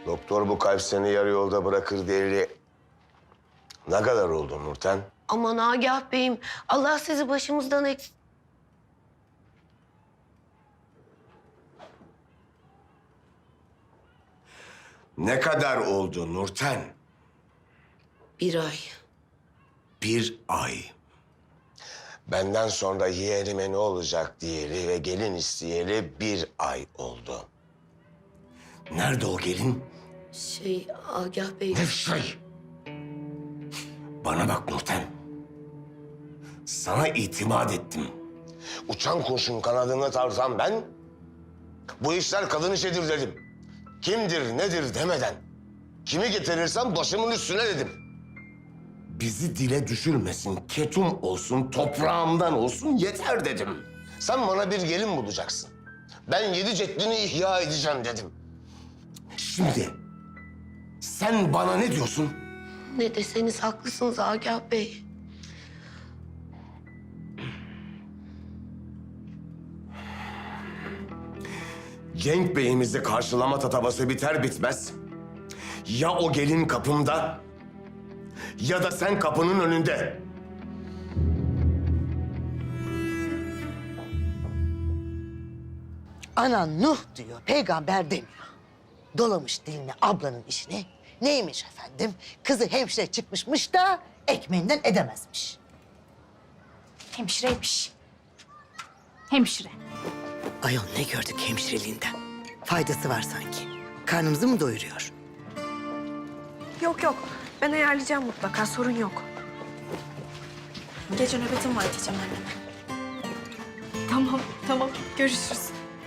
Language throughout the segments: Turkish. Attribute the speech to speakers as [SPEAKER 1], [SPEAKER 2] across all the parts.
[SPEAKER 1] Doktor bu kalp seni yarı yolda bırakır diyeli ne kadar oldu Nurten?
[SPEAKER 2] Aman Agah Bey'im, Allah sizi başımızdan eksik.
[SPEAKER 1] Ne kadar oldu Nurten?
[SPEAKER 2] 1 ay.
[SPEAKER 1] 1 ay. Benden sonra yeğenime ne olacak diyeli ve gelin isteyeli 1 ay oldu. Nerede o gelin?
[SPEAKER 2] Agah Bey.
[SPEAKER 1] Ne şey? Bana bak Nurten. Sana itimat ettim. Uçan kuşun kanadını tarzan ben, bu işler kadın işidir dedim. Kimdir, nedir demeden, kimi getirirsem başımın üstüne dedim. Bizi dile düşürmesin, ketum olsun, toprağımdan olsun yeter dedim. Sen bana bir gelin bulacaksın. Ben 7 ceddini ihya edeceğim dedim. Şimdi sen bana ne diyorsun?
[SPEAKER 2] Ne deseniz haklısınız Agah Bey.
[SPEAKER 1] Cenk Bey'imizi karşılama tatavası biter bitmez, ya o gelin kapımda ya da sen kapının önünde.
[SPEAKER 3] Anan Nuh diyor, peygamber demiyor. Dolamış dilini ablanın işine. Neymiş efendim? Kızı hemşire çıkmışmış da ekmeğinden edemezmiş.
[SPEAKER 4] Hemşireymiş. Hemşire.
[SPEAKER 3] Ayol ne gördük hemşireliğinden? Faydası var sanki. Karnımızı mı doyuruyor?
[SPEAKER 5] Yok yok. Ben ayarlayacağım mutlaka. Sorun yok. Gece nöbetim var diyeceğim anneme. Tamam, tamam. Görüşürüz.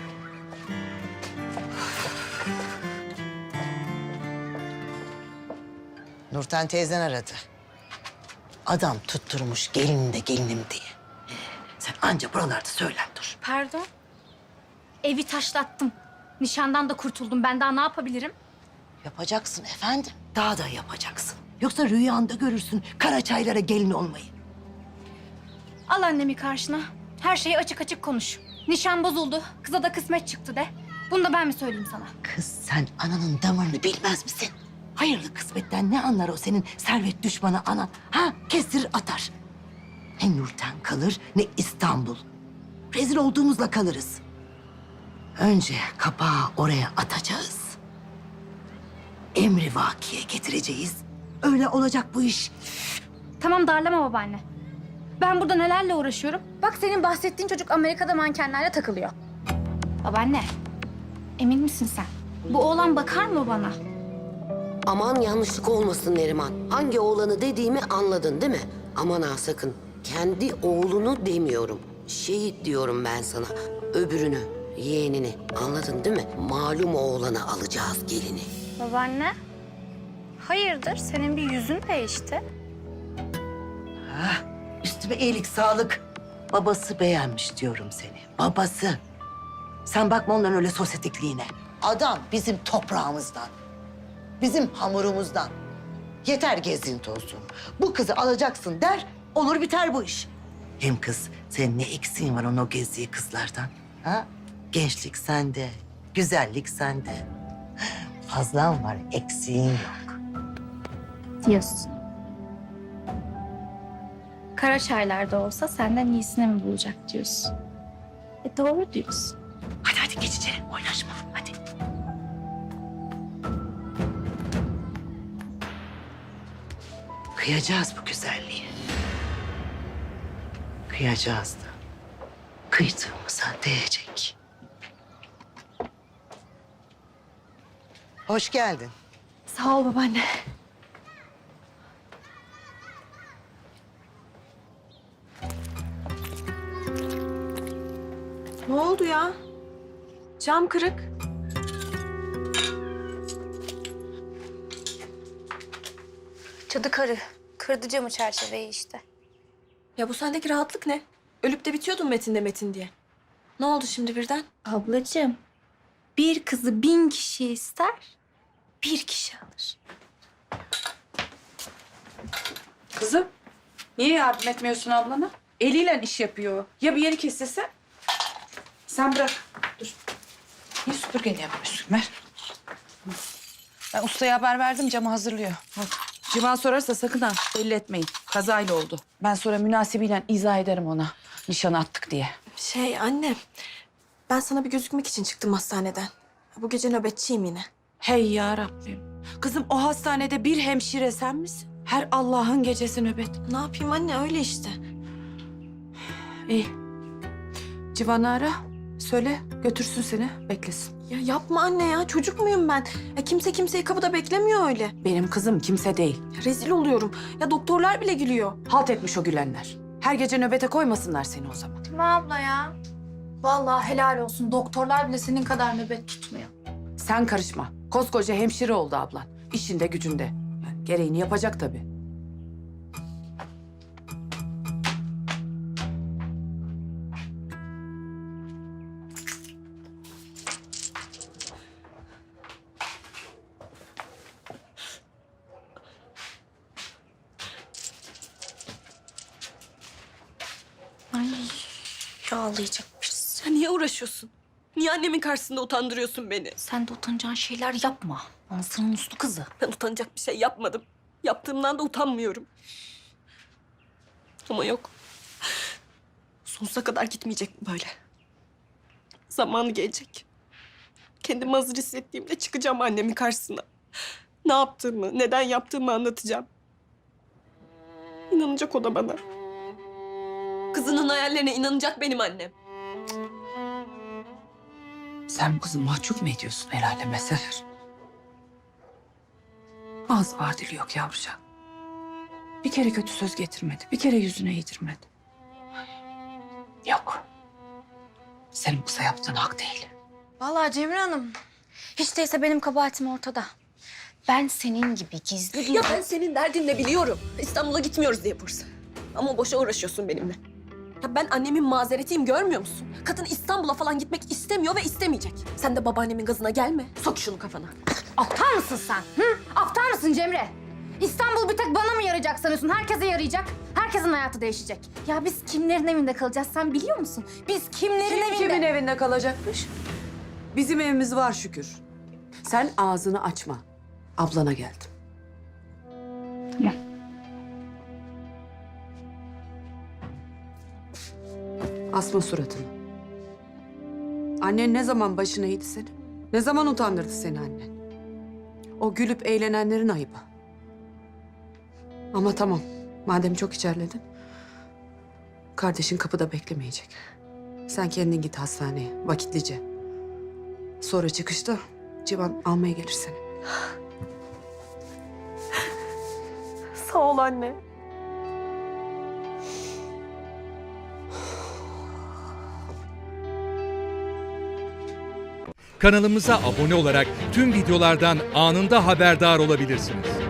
[SPEAKER 3] Nurten teyzen aradı. Adam tutturmuş gelinim de gelinim diye. Sen anca buralarda söylen dur.
[SPEAKER 4] Pardon. Evi taşlattım. Nişandan da kurtuldum. Ben daha ne yapabilirim?
[SPEAKER 3] Yapacaksın efendim. Daha da yapacaksın. Yoksa rüyanda görürsün Karaçaylara gelin olmayı.
[SPEAKER 4] Al annemi karşına. Her şeyi açık açık konuş. Nişan bozuldu. Kıza da kısmet çıktı de. Bunu da ben mi söyleyeyim sana?
[SPEAKER 3] Kız sen ananın damarını bilmez misin? Hayırlı kısmetten ne anlar o senin servet düşmanı anan? Ha kestirir atar. Ne Nurten kalır ne İstanbul. Rezil olduğumuzla kalırız. Önce kapağı oraya atacağız. Emri vakiye getireceğiz. Öyle olacak bu iş.
[SPEAKER 4] Tamam darlama babaanne. Ben burada nelerle uğraşıyorum. Bak senin bahsettiğin çocuk Amerika'da mankenlerle takılıyor. Babaanne, emin misin sen? Bu oğlan bakar mı bana?
[SPEAKER 2] Aman yanlışlık olmasın Neriman. Hangi oğlanı dediğimi anladın değil mi? Aman ha sakın. Kendi oğlunu demiyorum. Şehit diyorum ben sana. Öbürünü, yeğenini. Anladın değil mi? Malum oğlana alacağız gelini.
[SPEAKER 4] Babaanne, hayırdır? Senin bir yüzün değişti.
[SPEAKER 3] Üstüme iyilik, sağlık. Babası beğenmiş diyorum seni. Babası. Sen bakma onların öyle sosyetikliğine. Adam bizim toprağımızdan. Bizim hamurumuzdan. Yeter gezinti olsun. Bu kızı alacaksın der, olur biter bu iş. Hem kız, senin ne eksiğin var o gezdiği kızlardan? Ha? Gençlik sende, güzellik sende. Fazlan var, eksiğin yok.
[SPEAKER 4] Diyorsun. Karaçaylar'da olsa senden iyisini mi bulacak diyorsun. Doğru diyorsun.
[SPEAKER 3] Hadi hadi geç içeri, oynaşma. Hadi. Kıyacağız bu güzelliği. Kıyacağız da. Kıydığımıza değecek. Hoş geldin.
[SPEAKER 5] Sağ ol babaanne. Ne oldu ya? Cam kırık.
[SPEAKER 4] Cadı karı. Kırdı camı çerçeveyi işte.
[SPEAKER 5] Ya bu sendeki rahatlık ne? Ölüp de bitiyordun Metin'de Metin diye. Ne oldu şimdi birden?
[SPEAKER 4] Ablacığım, bir kızı 1000 kişi ister, bir kişi alır.
[SPEAKER 6] Kızım, niye yardım etmiyorsun ablana? Eliyle iş yapıyor. Ya bir yeri kesilse? Sen bırak. Dur. Niye süpürgeyle yapıyorsun? Ver. ustaya haber verdim, camı hazırlıyor. Bak, Civan sorarsa sakın ha belli etmeyin. Kazayla oldu. Ben sonra münasibiyle izah ederim ona. Nişanı attık diye.
[SPEAKER 5] Anne, ben sana bir gözükmek için çıktım hastaneden. Bu gece nöbetçiyim yine.
[SPEAKER 6] Hey ya Rabbim. Kızım o hastanede bir hemşire sen misin? Her Allah'ın gecesi nöbet.
[SPEAKER 5] Ne yapayım anne, öyle işte.
[SPEAKER 6] İyi. Civan'ı ara. Söyle götürsün seni, beklesin.
[SPEAKER 5] Ya yapma anne ya, çocuk muyum ben? Kimse kimseyi kapıda beklemiyor öyle.
[SPEAKER 6] Benim kızım kimse değil.
[SPEAKER 5] Ya rezil oluyorum. Ya doktorlar bile gülüyor.
[SPEAKER 6] Halt etmiş o gülenler. Her gece nöbete koymasınlar seni o zaman.
[SPEAKER 4] Değil mi abla ya? Vallahi helal olsun. Doktorlar bile senin kadar nöbet tutmuyor.
[SPEAKER 6] Sen karışma. Koskoca hemşire oldu ablan. İşinde gücünde. Yani gereğini yapacak tabii.
[SPEAKER 5] Ağlayacakmış. Ya niye uğraşıyorsun? Niye annemin karşısında utandırıyorsun beni?
[SPEAKER 4] Sen de utanacağın şeyler yapma. Anasının uslu kızı.
[SPEAKER 5] Ben utanacak bir şey yapmadım. Yaptığımdan da utanmıyorum. Ama yok. Sonsuza kadar gitmeyecek bu böyle. Zamanı gelecek. Kendimi hazır hissettiğimde çıkacağım annemin karşısına. Ne yaptığımı, neden yaptığımı anlatacağım. İnanacak o da bana. Kızının hayallerine inanacak benim annem.
[SPEAKER 6] Sen bu kızı mahcup mu ediyorsun el aleme Seher? Ağız var dili yok yavrucağım. Bir kere kötü söz getirmedi. Bir kere yüzüne yedirmedi. Yok. Senin kıza yaptığın hak değil.
[SPEAKER 4] Vallahi Cemre Hanım, hiç değilse benim kabahatim ortada. Ben senin gibi gizli
[SPEAKER 5] Ya ben senin derdin ne biliyorum. İstanbul'a gitmiyoruz diye Bursa. Ama boşa uğraşıyorsun benimle. Ya ben annemin mazeretiyim, görmüyor musun? Kadın İstanbul'a falan gitmek istemiyor ve istemeyecek. Sen de babaannemin gazına gelme. Sok şunu kafana.
[SPEAKER 4] Aptal mısın sen? Hı? Aptal mısın Cemre? İstanbul bir tek bana mı yarayacak sanıyorsun? Herkese yarayacak. Herkesin hayatı değişecek. Ya biz kimlerin evinde kalacağız sen biliyor musun? Biz kimlerin evinde...
[SPEAKER 6] Kimin evinde kalacakmış? Bizim evimiz var şükür. Sen ağzını açma. Ablana geldim. Asma suratını. Annen ne zaman başına eğdi seni? Ne zaman utandırdı seni annen? O gülüp eğlenenlerin ayıbı. Ama tamam, madem çok içerledin... kardeşin kapıda beklemeyecek. Sen kendin git hastaneye, vakitlice. Sonra çıkışta Civan almaya gelir seni.
[SPEAKER 5] Sağ ol anne.
[SPEAKER 7] Kanalımıza abone olarak tüm videolardan anında haberdar olabilirsiniz.